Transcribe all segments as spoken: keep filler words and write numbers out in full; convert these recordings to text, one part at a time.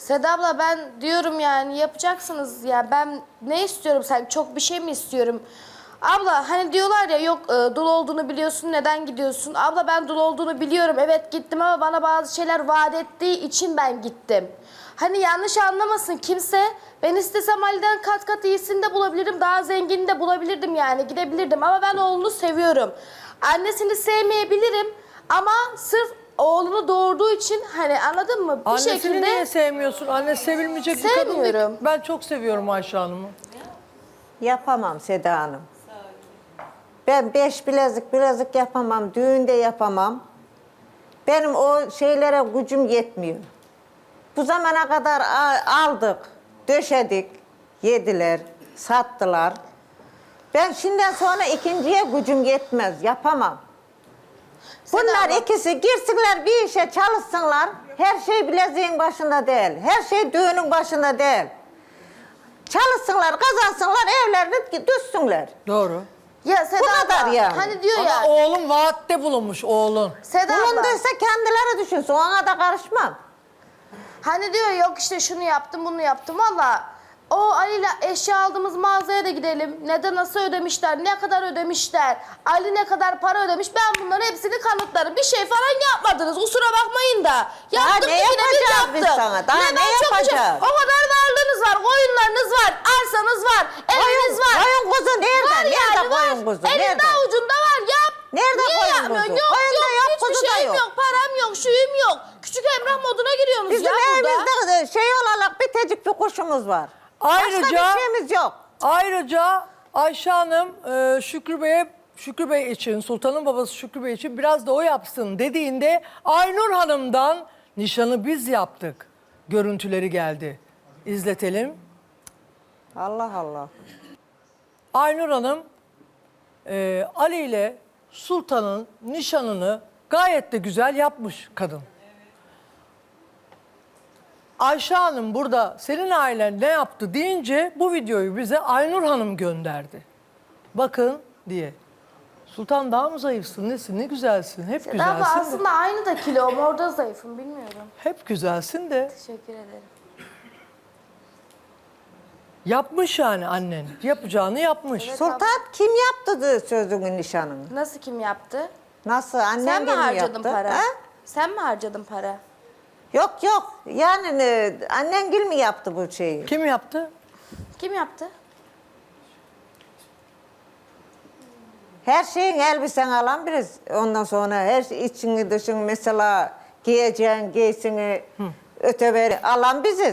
Seda abla ben diyorum yani yapacaksınız ya ben ne istiyorum sanki çok bir şey mi istiyorum? Abla hani diyorlar ya yok e, dul olduğunu biliyorsun neden gidiyorsun? Abla ben dul olduğunu biliyorum evet gittim ama bana bazı şeyler vaat ettiği için ben gittim. Hani yanlış anlamasın kimse ben istesem Ali'den kat kat iyisini de bulabilirim daha zengini de bulabilirdim yani gidebilirdim ama ben oğlunu seviyorum. Annesini sevmeyebilirim ama sırf oğlunu doğurduğu için hani anladın mı? Bir Annesini şekilde niye sevmiyorsun? Anne sevilmeyecek bir kadın değil. Sevmiyorum. Ben çok seviyorum Ayşe Hanım'ı. Yapamam Seda Hanım. Ben beş bilezik bilezik yapamam, düğünde yapamam. Benim o şeylere gücüm yetmiyor. Bu zamana kadar aldık, döşedik, yediler, sattılar. Ben şimdiden sonra ikinciye gücüm yetmez, yapamam. Bunlar abla. ikisi girsinler bir işe çalışsınlar. Her şey bileziğin başında değil, her şey düğünün başında değil. Çalışsınlar, kazansınlar, evlerini düşsünler. Doğru. ya Seda Bu kadar abla, yani. hani diyor Ama ya oğlum vaatte bulunmuş oğlun. Seda abla Bulunduysa kendileri düşünsün, ona da karışmam. hani diyor yok işte şunu yaptım bunu yaptım valla o Ali'yle eşya aldığımız mağazaya da gidelim. Neden nasıl ödemişler, ne kadar ödemişler, Ali ne kadar para ödemiş ben bunların hepsini kanıtlarım. Bir şey falan yapmadınız kusura bakmayın da. Yaptık ne yine biz yapacağız biz yaptık. sana? Daha Neden ne çok güzel- yapacağız? O kadar varlığınız var, koyunlarınız var, arsanız var, eviniz var. Koyun kuzu nerede? Var Nerede yani var. koyun kuzu? Elinde Nerede? avucunda var yap. Nerede Niye koyun yapmıyorsun? kuzu? Yok Koyun da yok, yok, hiçbir kuzu da şeyim yok. yok. Param yok, şuyum yok. Küçük Emrah moduna giriyorsunuz Bizim ya burada. evimizde şey olarak bitecik bir kuşumuz var. Ayrıca, Başka bir şeyimiz yok. Ayrıca Ayşe Hanım e, Şükrü Bey'e Şükrü Bey için, Sultan'ın babası Şükrü Bey için biraz da o yapsın dediğinde Aynur Hanım'dan nişanı biz yaptık. Görüntüleri geldi. İzletelim. Allah Allah. Aynur Hanım e, Ali ile Sultan'ın nişanını gayet de güzel yapmış kadın. Ayşe Hanım burada senin ailen ne yaptı deyince bu videoyu bize Aynur Hanım gönderdi. Bakın diye. Sultan daha mı zayıfsın nesin ne güzelsin hep Seda güzelsin abla de. aslında aynı da kilom orada zayıfım bilmiyorum. Hep güzelsin de Teşekkür ederim. yapmış yani annen yapacağını yapmış. Sultan kim yaptı sözünün nişanını? Nasıl kim yaptı? Nasıl? Annen Sen mi gelin harcadın yaptı? para? Ha? Sen mi harcadın para? Yok yok. Yani e, annen gül mü yaptı bu şeyi? Kim yaptı? Kim yaptı? Her şeyin elbisen alan biriz. Ondan sonra her şey, içini dışını mesela giyeceğin giysini öteberi alan biziz.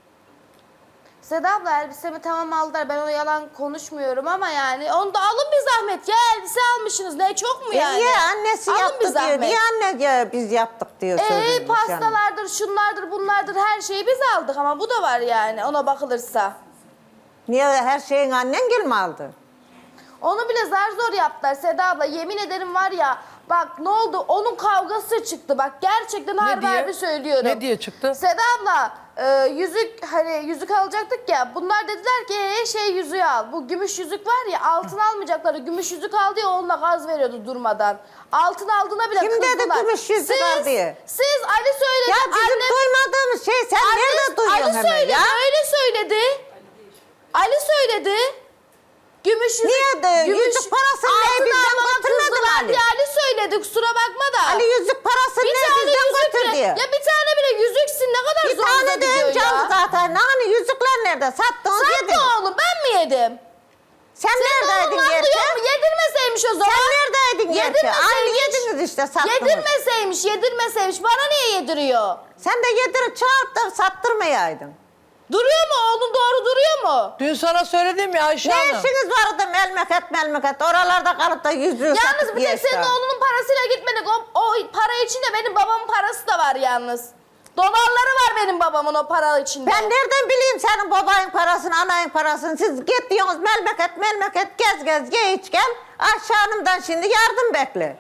Seda abla elbisemi tamam aldılar. Ben ona yalan konuşmuyorum ama yani onu da alın bir zahmet ya. Elbise almışsınız. Ne çok mu E yani? niye annesi Alın bir yaptı diyor. zahmet. Niye anne ya biz yaptık diyor sözünü. Ee, nişanını. pastalardır, şunlardır, bunlardır her şeyi biz aldık ama bu da var yani ona bakılırsa. Niye her şeyin annen gül mü aldı? Onu bile zar zor yaptılar Seda abla. Yemin ederim var ya bak ne oldu onun kavgası çıktı. Bak gerçekten harbi diye? harbi söylüyorum. Ne diye çıktı? Seda abla e, yüzük hani yüzük alacaktık ya. Bunlar dediler ki ee, şey yüzüğü al. Bu gümüş yüzük var ya altın almayacakları. Gümüş yüzük aldı ya onunla gaz veriyordu durmadan. Altın aldığına bile Kim dedi kızdılar. gümüş yüzük siz, al diye? Siz Ali söyledi. Ya bizim annem- duymadığımız şey sen nerede duyuyorsun Ali hemen söyledi, ya? öyle söyledi. Ali söyledi. Gümüş yüzük, Niye de yüzük parasını ne altın bizden almama götürmedi kızdılar Ali? diye Ali söyledi kusura bakma da. Ali yüzük parasını bir ne tane bizden yüzük götür bile, diyor. ya bir tane bile yüzüksin ne kadar Bir zorunuza tane de gidiyor önce aldı ya. zaten. Hani yüzükler nerede? Sattınız Sattı yedin. oğlum ben mi yedim? Sen neredeydin Oğlum gerçi? yok mu? Yedirmeseymiş o zaman. Sen neredeydin gerçi? Aynı yediniz işte sattınız. Yedirmeseymiş, yedirmeseymiş. Bana niye yediriyor? Sen de yedirip çağırıp da sattırmayaydın. Duruyor mu? Oğlun doğru duruyor mu? Dün sana söyledim ya Ayşe Ne Hanım. işiniz vardı melmeket melmeket? Oralarda kalıp da yüzüğü Yalnız satıp bir tek geçti. senin oğlunun parasıyla gitmedik. O, o para içinde benim babamın parası da var yalnız. Dolarları var benim babamın o para içinde. Ben nereden bileyim senin babanın parasını, anayın parasını? Siz gidiyorsunuz melmeket melmeket gez gez ye iç gel. Ayşe Hanım'dan şimdi yardım bekle.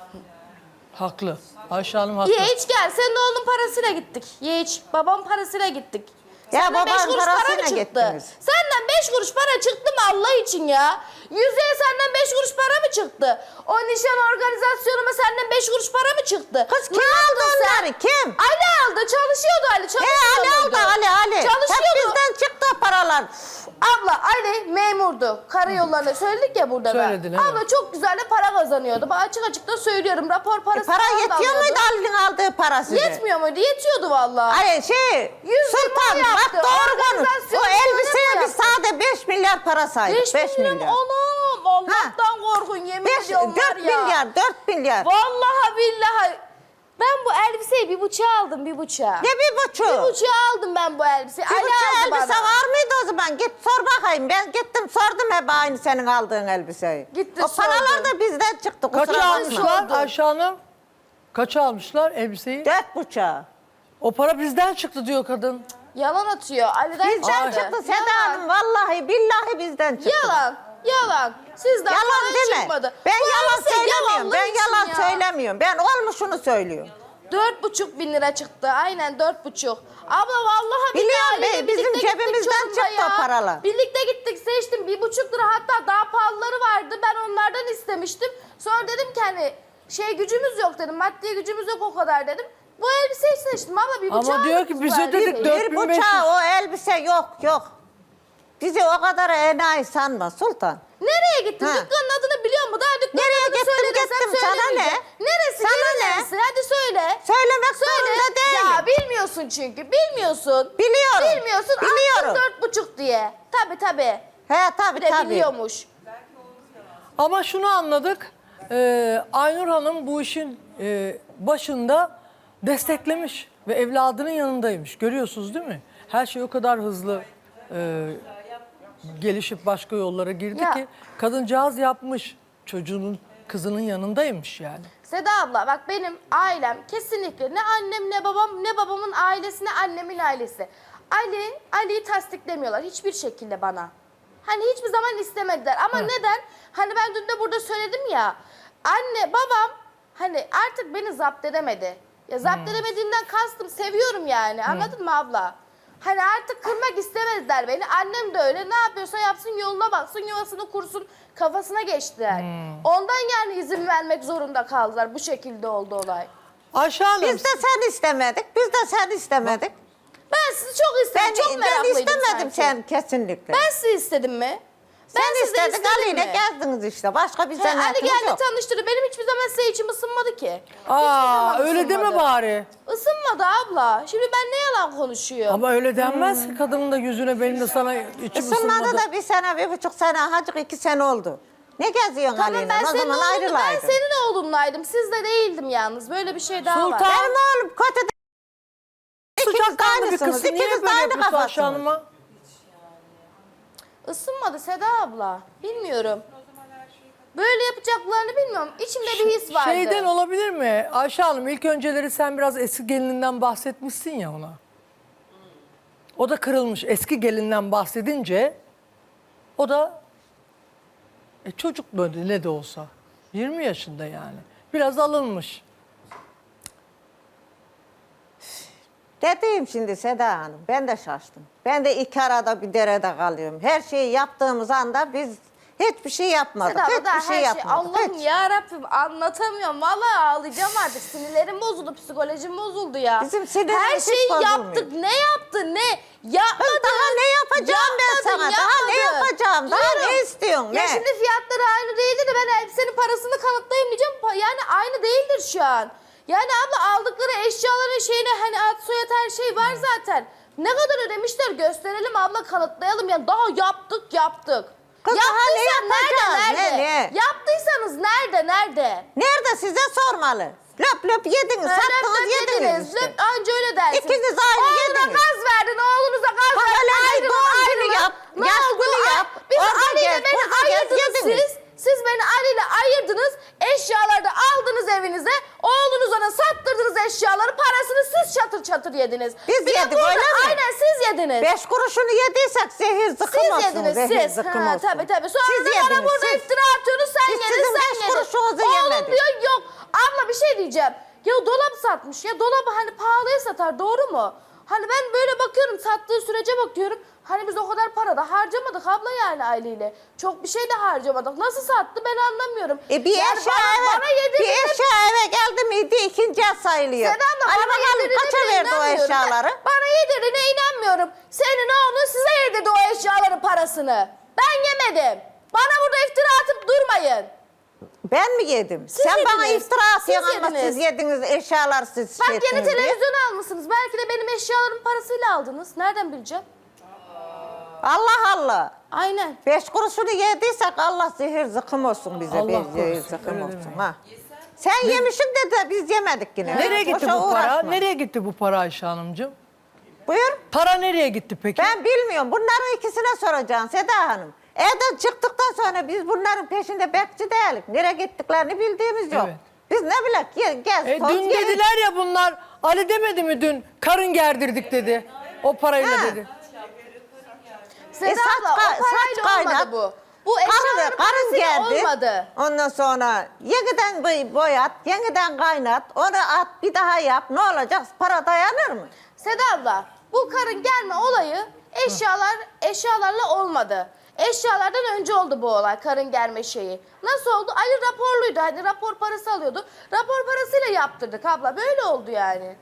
Haklı. Ayşe Hanım haklı. Ye iç gel. Senin oğlun parasıyla gittik. Ye iç. Babamın parasıyla gittik. Ya Senden beş babanın kuruş para mı parasıyla çıktı? gittiniz. Senden beş kuruş para çıktı mı Allah için ya? Yüzeye senden beş kuruş para mı çıktı? O nişan organizasyonuma senden beş kuruş para mı çıktı? Kız kim Ne aldı aldın sen? onları? Kim? Ali aldı. Çalışıyordu Ali. He Çalışmıyor Ali aldı muydu? Ali yalan. Abla Ali memurdu. Karayollarında söyledik ya burada ben. Söyledin, evet. Abla çok güzel de para kazanıyordu. Ben açık açık da söylüyorum. Rapor E, parası para falan da yetiyor alıyordu. muydu Ali'nin aldığı para size? Yetmiyor muydu? Yetiyordu vallahi. Ay şey, Yüz Sultan yirmi bak yaptı. doğru konuş. Organizasyon O elbiseye yaptı. biz sade beş milyar para saydık. beş beş milyon milyar. oğlum. Allah'tan korkun yemin Beş, ediyorum var dört ya. milyar, dört milyar. Vallahi billahi. Ben bu elbiseyi bir buçuğa aldım bir buçuğa. Ne bir buçuk? Bir buçuğa aldım ben bu elbiseyi. Bir Ali buçuk aldı elbise bana. var mıydı o zaman? Git sor bakayım. Ben gittim sordum hep aynı senin aldığın elbiseyi. Gitti, o paralar sordum. da bizden çıktı. Kaça Kusura bakma. almışlar sordum. Ayşe Hanım? Kaça almışlar elbiseyi? Dört buçuğa. O para bizden çıktı diyor kadın. Yalan atıyor. Ali'den Bizden çıktı. çıktı Seda Yalan. Hanım. Vallahi billahi bizden çıktı. Yalan. Yalan. Sizden Yalan falan deme. çıkmadı. Ben Bu yalan elbise söylemiyorum. Ben yalanlar yalan için ya. söylemiyorum. Ben olmuşunu söylüyorum. Dört buçuk bin lira çıktı. Aynen dört buçuk. Abla vallahi Biliyorum billahi be, birlikte bizim gittik cebimizden Çorum'da çıktı o paralar. Birlikte gittik seçtim. Bir buçuk lira hatta daha pahalıları vardı. Ben onlardan istemiştim. Sonra dedim ki hani şey gücümüz yok dedim. Maddi gücümüz yok o kadar dedim. Bu elbiseyi seçtim abla bir Ama buçuğa diyor aldık ki bu bize elbiseyi. dedik dört Bir bin beş yüz. buçağı o elbise yok yok. Bizi o kadar enayi sanma Sultan. Nereye gittin? Ha. Dükkanın adını biliyor musun? Daha dükkanın Nereye adını gittim, söyle desem gittim. Sana söylemeyeceğim. Neresi? Sana Yeri ne? neresi? Hadi söyle. Söylemek Söyle. zorunda değilim. Ya bilmiyorsun çünkü. Bilmiyorsun. Biliyorum. Bilmiyorsun. Biliyorum. Attın dört buçuk diye. Tabii tabii. He tabii Bir de tabii. biliyormuş. Ama şunu anladık. e, Aynur Hanım bu işin e, başında desteklemiş ve evladının yanındaymış. Görüyorsunuz değil mi? Her şey o kadar hızlı e, gelişip başka yollara girdi Ya. ki kadıncağız yapmış. Çocuğunun, kızının yanındaymış yani. Seda abla bak benim ailem kesinlikle ne annem ne babam ne babamın ailesi ne annemin ailesi. Ali, Ali'yi tasdiklemiyorlar hiçbir şekilde bana. Hani hiçbir zaman istemediler ama neden? Hani ben dün de burada söyledim ya. Anne babam hani artık beni zapt edemedi. Ya zapt edemediğinden kastım seviyorum yani anladın mı abla? Hani artık kırmak istemediler beni. Annem de öyle. Ne yapıyorsa yapsın yoluna baksın yuvasını kursun kafasına geçtiler. Ondan yani izin vermek zorunda kaldılar. Bu şekilde oldu olay. Ayşe Hanım, Biz de sen istemedik. Biz de sen istemedik. Ben sizi çok istedim. Ben, çok ben meraklıydım istemedim sanki. sen kesinlikle. Ben sizi istedim mi? Ben sen sizi istedik istedim Ali'yle mi? gezdiniz işte. Başka bir He, Ali zanaatimiz geldi yok. tanıştırdı. Benim hiçbir zaman size içim ısınmadı ki. aa, Hiçbir zaman öyle deme ısınmadı. bari. Isınmadı abla. Şimdi ben ne yalan konuşuyorum? Ama öyle denmez ki kadının da yüzüne benim de sana içim Isınmadı ısınmadı. da bir sene, bir buçuk sene, hacık iki sene oldu. Ne geziyorsun Tamam Ali'yle? ben O senin zaman oğlunum, ben ayrılaydın. senin oğlunlaydım. Sizde değildim yalnız. Böyle bir şey daha Sultan. var. Benim oğlum kötü de... İkiniz de Sıcakkanlı bir aynısınız. kız. Niye İkiniz de böyle aynı yapıyorsun Ayşe kafasınız. Hanım'a? Isınmadı Seda abla. Bilmiyorum. Böyle yapacaklarını bilmiyorum. İçimde bir his vardı. Şeyden olabilir mi? Ayşe Hanım ilk önceleri sen biraz eski gelininden bahsetmişsin ya ona. O da kırılmış. Eski gelinden bahsedince o da e, çocuk böyle ne de olsa. yirmi yaşında yani. Biraz alınmış. Dediğim şimdi Seda Hanım, ben de şaştım. Ben de iki arada bir derede kalıyorum. Her şeyi yaptığımız anda biz hiçbir şey yapmadık. Seda abla hiçbir daha şey her şey yapmadık. Allah'ım hiç. ya Rabbim anlatamıyorum. Vallahi ağlayacağım artık. Sinirlerim bozuldu, psikolojim bozuldu ya. Bizim sinirimiz her hiç şeyi bozulmuyor. yaptık. Ne yaptı? Ne? Yapmadın. Kız daha ne yapacağım ben Yapmadın, sana? Daha ne yapmadın. yapacağım? Daha Diyorum. ne istiyorsun? Ya Ne? şimdi fiyatları aynı değildi de ben elbisenin parasını kanıtlayayım diyeceğim. Pa- Yani aynı değildir şu an. Yani abla aldıkları eşyaların şeyine hani ad soyad her şey var zaten. Ne kadar ödemişler gösterelim abla kanıtlayalım. Yani daha yaptık yaptık. Kız daha ne Yaptıysan nerede yapacağız? nerede? Ne, ne? Yaptıysanız nerede nerede? Nerede size sormalı? Löp löp yediniz, Öyle sattınız löp yediniz yediniz, işte. löp- anca öyle dersiniz. İkiniz aynı Oğluna yediniz. gaz verdin, oğlunuza gaz Ha, verdin. öyle bir Ayrılın, doğum günü ayrılın. yap, Ne yaş oldu? günü Ay, yap, Biz orada Ali ile gez, beni burada gez, ayırdınız yediniz. siz. Siz beni Ali ile ayırdınız. Eşyaları da aldınız evinize. Oğlunuza da sattırdınız eşyaları. Parasını siz çatır çatır yediniz. Biz Bir de yedik, burada- öyle mi? Aynen siz yediniz. Beş kuruşunu yediysek zehir zıkkım Siz olsun. yediniz zehir siz. zıkkım Ha, olsun. tabii tabii. Sonra Siz da bana yediniz, burada siz. iftira atıyorsunuz. Sen Biz yedin sizin sen beş yedin. kuruşunuzu Oğlum yemedik. diyor yok. Abla bir şey diyeceğim. Ya dolap satmış. Ya dolabı hani pahalıya satar doğru mu? Hani ben böyle bakıyorum sattığı sürece bakıyorum. Hani biz o kadar para da harcamadık abla yani aileyle. Çok bir şey de harcamadık. Nasıl sattı ben anlamıyorum. E bir Yani eşya bana, eve, bana yedirdiğinde- bir eşya eve geldi miydi ikinci el sayılıyor. Seda abla Hani bana bakalım yedirdiğine kaça bile verdi o inanmıyorum. eşyaları? Ben- Bana yedirdiğine inanmıyorum. Senin oğlun size yedirdi o eşyaların parasını. Ben yemedim. Bana burada iftira atıp durmayın. Ben mi yedim? Siz Sen bana yediniz. iftira atıyorsun Siz ama yediniz. siz yediniz eşyalar siz Bak şey yeni ettiniz diye. televizyon almışsınız. Belki de benim eşyalarımın parasıyla aldınız. Nereden bileceğim? Allah Allah. Aynen. Beş kuruşunu yediysek Allah zehir zıkkım olsun bize. Allah bir korusun, zehir öyle zıkkım olsun. demeyin. Ha. Sen yemişsin de, de biz yemedik yine. Nereye gitti Boşa bu para? uğraşma. Nereye gitti bu para Ayşe Hanımcığım? Buyur. Para nereye gitti peki? Ben bilmiyorum. Bunların ikisine soracaksın Seda Hanım. Evden çıktıktan sonra biz bunların peşinde bekçi değiliz. Nereye gittiklerini bildiğimiz yok. Evet. Biz ne bilek ye- gez E, toz dün ye- dediler ya bunlar, Ali demedi mi dün? Karın gerdirdik dedi. O parayla Ha. dedi. Seda E, saç abla ka- o parayla saç olmadı kaynat. bu. Bu Karın, eşyaların karın parasıyla geldi. olmadı. Ondan sonra yeniden boy- boyat, yeniden kaynat, onu at, bir daha yap. Ne olacak? Para dayanır mı? Seda abla bu karın gelme olayı eşyalar eşyalarla olmadı. Eşyalardan önce oldu bu olay, karın gelme şeyi. Nasıl oldu? Ali raporluydu. Hani rapor parası alıyordu. Rapor parasıyla yaptırdık abla. Böyle oldu yani.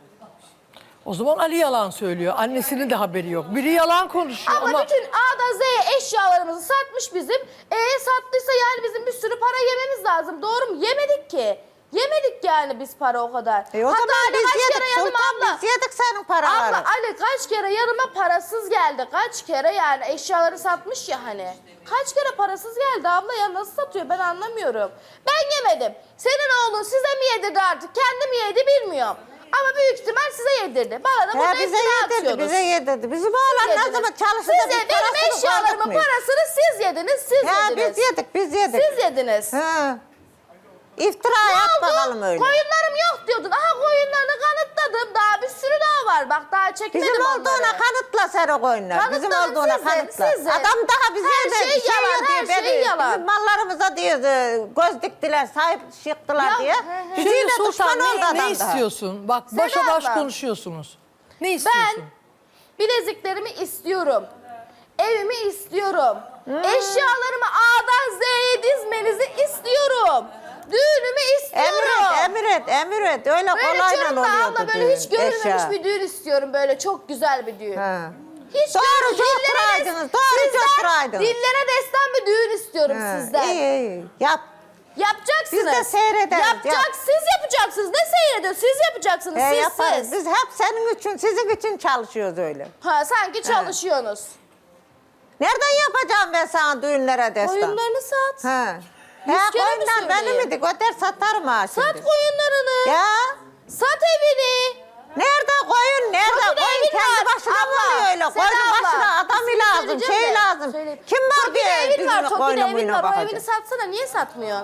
O zaman Ali yalan söylüyor. Annesinin de haberi yok. Biri yalan konuşuyor Ama, ama... bütün A'dan Z'ye eşyalarımızı satmış bizim. E sattıysa yani bizim bir sürü para yememiz lazım. Doğru mu? Yemedik ki. Yemedik yani biz para o kadar. E o Hatta zaman Ali biz kaç yedik kere yanıma Sultan, abla. biz yedik senin paraları. Abla Ali kaç kere yanıma parasız geldi. Kaç kere yani eşyaları satmış ya hani. Kaç kere parasız geldi abla ya, nasıl satıyor ben anlamıyorum. Ben yemedim. Senin oğlun size mi yedirdi artık, kendi mi yedi bilmiyorum. Ama büyük ihtimal size yedirdi. Bana da burada He, bize iftira yedirdi, atıyorsunuz. bize yedirdi. Bizim Siz oğlan ne yediniz. zaman çalıştı Siz da biz ye- benim parasını eşyalarımın koyduk mu? parasını siz yediniz, siz He, yediniz. biz yedik, biz yedik. Siz yediniz. He. İftira Ne yap oldu? bakalım öyle. Koyunlarım yok diyordun. Aha koyunlarını kanıtladım. Daha bir sürü daha var. Bak daha çekmedim Bizim onları. olduğuna kanıtla sen o koyunlar. Bizim Kanıtladım olduğuna size, kanıtla. size. Adam daha bize Her de şey bir şey yalan, diyor her diye şey beni- yalan. Bizim mallarımıza diyor e, göz diktiler, sahip çıktılar Ya, diye. he, he. Bizi de Şimdi düşman Sultan oldu ne, adam ne daha. istiyorsun? Bak Seda başa baş abla. konuşuyorsunuz. Ne istiyorsun? Ben bileziklerimi istiyorum. Evimi istiyorum. Eşyalarımı A'dan Z'ye dizmenizi istiyorum. Düğünümü istiyorum. Emret, emret, emret. Öyle Böyle kolayla diyorum da oluyordu abla böyle hiç düğün, görülmemiş eşya. bir düğün istiyorum. Böyle çok güzel bir düğün. Ha. Hiç Doğru, görülmemiş. çok Dillere des- duraydınız, doğru, çok Sizden duraydınız. dillere destan bir düğün istiyorum Ha, sizden. İyi, iyi. Yap. Yapacaksınız. Biz de seyrederiz, Yapacak, yap. siz yapacaksınız. Ne seyrediyor? Siz yapacaksınız. He, siz yaparız. siz. Biz hep senin için, sizin için çalışıyoruz öyle. Ha sanki çalışıyorsunuz. Nereden yapacağım ben sana düğünlere destan? Koyunlarını sat. He. Yüz He, kere mi koyunlar benim söyleyeyim? idi. Götür satarım ha şimdi. Sat koyunlarını. Ya. Sat evini. Nerede koyun? Nerede Kapıda koyun? evin Kendi var. başına mı Abla, oluyor öyle? Seda Koyunun abla, başına adam ismini lazım, söyleyeceğim şey de, lazım. söyleyeyim. Kim var Toki'de diye evin var. bizim Toki'de koyunun evin buyuna var. O bakacak. evini satsana. Niye satmıyorsun?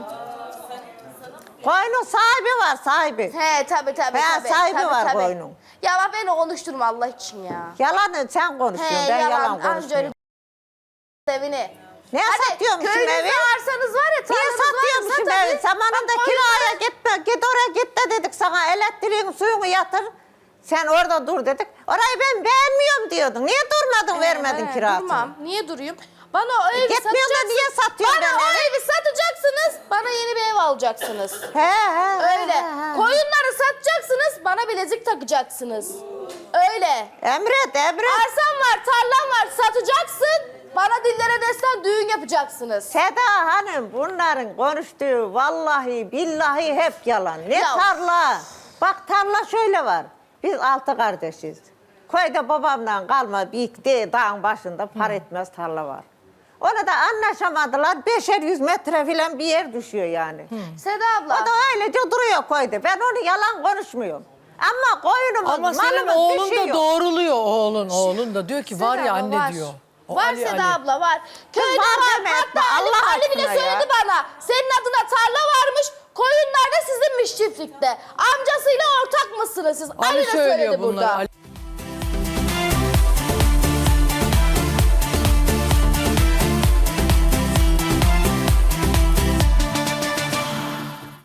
Koyunun sahibi var, sahibi. He tabii tabii. He, tabii, sahibi tabii, var tabii. koyunun. Ya bak beni konuşturma Allah için ya. Yalanı sen konuşuyorsun, He ben yalan. yalan Anca öyle konuşmuyorum. evini. Ne satıyormuşum köyünüzde evi? arsanız var ya, Niye tarlanız var ya, satıyormuşum sat evi? hadi. Zamanında Bak, kiraya koyunları- gitme, git oraya git de dedik sana. Elektriğin suyunu yatır. Sen orada dur dedik. Orayı ben beğenmiyorum diyordun. Niye durmadın, vermedin He, kirasını? Durmam. Niye durayım? Bana o evi gitmiyorsun da satacaksınız. niye satıyorsun Bana ben o evi? evi satacaksınız. Bana yeni bir ev alacaksınız. He he. Öyle. he, he. Koyunları satacaksınız. Bana bilezik takacaksınız. Öyle. Emret, emret. Arsan var, tarlan var. Satacaksın. Bana dillere destan düğün yapacaksınız. Seda Hanım bunların konuştuğu vallahi billahi hep yalan. Ne Ya. tarla? Bak tarla şöyle var. Biz altı kardeşiz. Köyde babamdan kalma bir de dağın başında par etmez tarla var. Ona da anlaşamadılar. Beşer yüz metre falan bir yer düşüyor yani. Seda abla. O da öylece duruyor köyde. Ben onu yalan konuşmuyorum. Ama koyunumuz, Ama senin malımız oğlun bir şey da yok. doğruluyor oğlun. Oğlun da diyor ki Seda var ya abla, anne var. diyor. O Var Ali, Seda Ali. abla var. Köyde var var. deme, Hatta etme, Ali, Allah Ali bile aşkına söyledi ya. bana. Senin adına tarla varmış. Koyunlar da sizinmiş çiftlikte. Amcasıyla ortak mısınız siz? Ali, Ali de söylüyor söyledi bunları. burada. Ali.